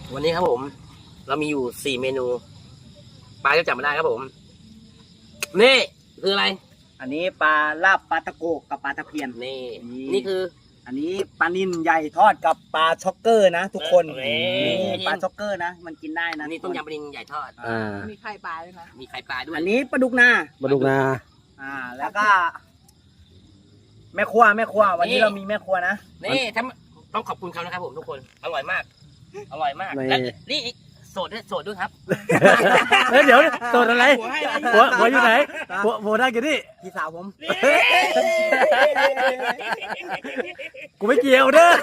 วันนี้ครับผมเรามีอยู่4 เมนูปลาจะจับมาได้ครับผมนี่คืออะไรอันนี้ปลาลาบปลาตะโกกับปลาตะเพียนนี่คืออันนี้ปลานิลใหญ่ทอดกับปลาช็อกเกอร์นะทุกคนนี่ปลาช็อกเกอร์นะมันกินได้นะนี่ต้มยำปลานิลใหญ่ทอดมีไข่ปลาด้วยนะมีไข่ปลาด้วยอันนี้ปลาดุกนาแล้วก็แม่ครัววันนี้เรามีแม่ครัวนะนี่ต้องขอบคุณเขานะครับผมทุกคนอร่อยมากและนี่โสดด้วยครับเดี๋ยวโสดอะไรหัวอยู่ไหนหัวได้กี่นี่พี่สาวผมกูไม่เกี่ยวเด้อ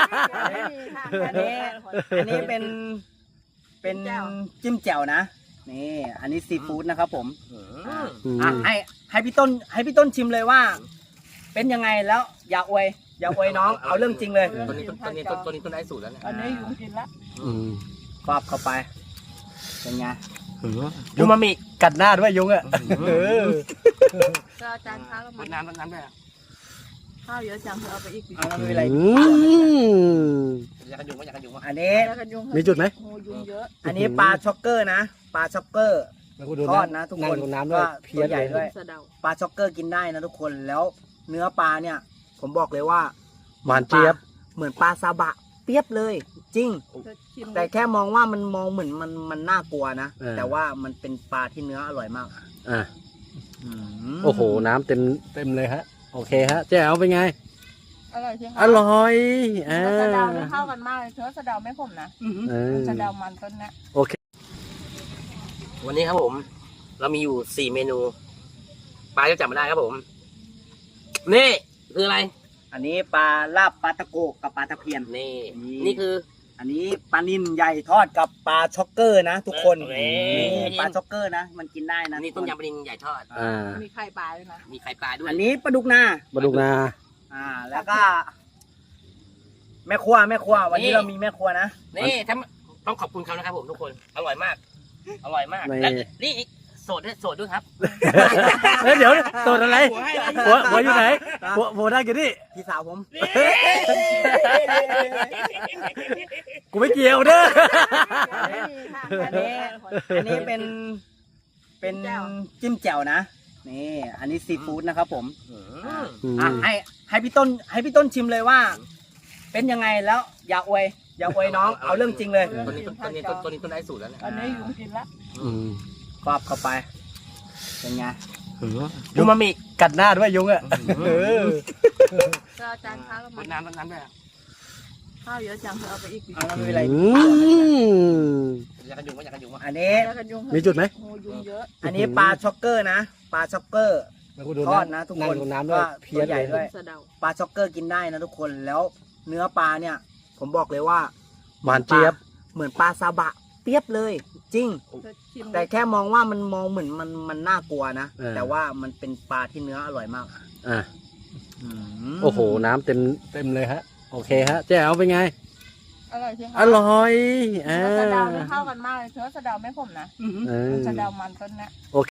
อันนี้เป็นจิ้มแจ่วนะนี่อันนี้ซีฟู้ดนะครับผมให้พี่ต้นชิมเลยว่าเป็นยังไงแล้วอย่าอวยน้องเอาเรื่องจริงเลยตัวนี้ต้นได้สูตรแล้วเนี่ยอันนี้ยุงกินละฟาบเข้าไปเป็นไงยุงมามีกัดหน้าด้วยยุงอ่ะก็จานข้าวมันน้ำด้วยข้าวเยอะจังเอาไปอีกไม่เป็นไรอยากกันยุงอันนี้มีจุดไหมยุงเยอะอันนี้ปลาช็อกเกอร์นะปลาช็อกเกอร์ทอดนะทุกคนน้ำด้วยตัวใหญ่ด้วยปลาช็อกเกอร์กินได้นะทุกคนแล้วเนื้อปลาเนี่ยผมบอกเลยว่าหวานเจี๊ยบเหมือนปลาซาบะเปียบเลยจริงแต่แค่มองว่ามันมองเหมือนมันน่ากลัวนะแต่ว่ามันเป็นปลาที่เนื้ออร่อยมากโอ้โหน้ำเต็มเลยฮะโอเคฮะแจ๋วเป็นไงอร่อยใช่ไหมอร่อยสะเดาเข้ากันมากเลยเชื้อสะเดาไม่ขมนะสะเดามันต้นนะโอเควันนี้ครับผมเรามีอยู่4 เมนูปลาจะจับมาได้ครับผมนี่คืออะไรอันนี้ปลาลาบปลาตะโกกับปลาตะเพียนนี่คืออันนี้ปลานิลใหญ่ทอดกับปลาช็อกเกอร์นะทุกคนปลาช็อกเกอร์นะมันกินได้นะนี่ต้มยำปลานิลใหญ่ทอดมีไข่ปลาด้วยนะมีไข่ปลาด้วยอันนี้ปลาดุกนาแล้วก็แม่ครัววันนี้เรามีแม่ครัวนะนี่ต้องขอบคุณเขานะครับผมทุกคนอร่อยมากและนี่โสดด้วยครับเดี๋ยวโสดอะไรหัวอยู่ไหนหัวได้กี่นี่พี่สาวผมกูไม่เกี่ยวเด้ออันนี้เป็นจิ้มแจ่วนะนี่อันนี้ซีฟู้ดนะครับผมให้พี่ต้นชิมเลยว่าเป็นยังไงแล้วอย่าอวยน้องเอาเรื่องจริงเลยตัวนี้ต้นได้สูตรแล้วเนี่ยอันนี้ยุงกินละฟาบเข้าไปเป็นไงยุงมามีกัดหน้าด้วยยุงอ่ะก็จานข้าวมันน้ำด้วยข้าวเยอะจังเอาไปอีกไม่เป็นไรอยากกันยุงอันนี้มีจุดไหมยุงเยอะอันนี้ปลาช็อกเกอร์นะปลาช็อกเกอร์ทอดนะทุกคนน้ำด้วยตัวใหญ่ด้วยปลาช็อกเกอร์กินได้นะทุกคนแล้วเนื้อปลาเนี่ยผมบอกเลยว่าหวานเจี๊ยบเหมือนปลาซาบะเปียบเลยจริงแต่แค่มองว่ามันมองเหมือนมันน่ากลัวนะแต่ว่ามันเป็นปลาที่เนื้ออร่อยมากโอ้โหน้ำเต็มเลยฮะโอเคฮะแจ๋วเป็นไงอร่อยใช่ไหมอร่อยสะเดาเข้ากันมากเลยเชื้อสะเดาไม่ขมนะสะเดามันต้นนะ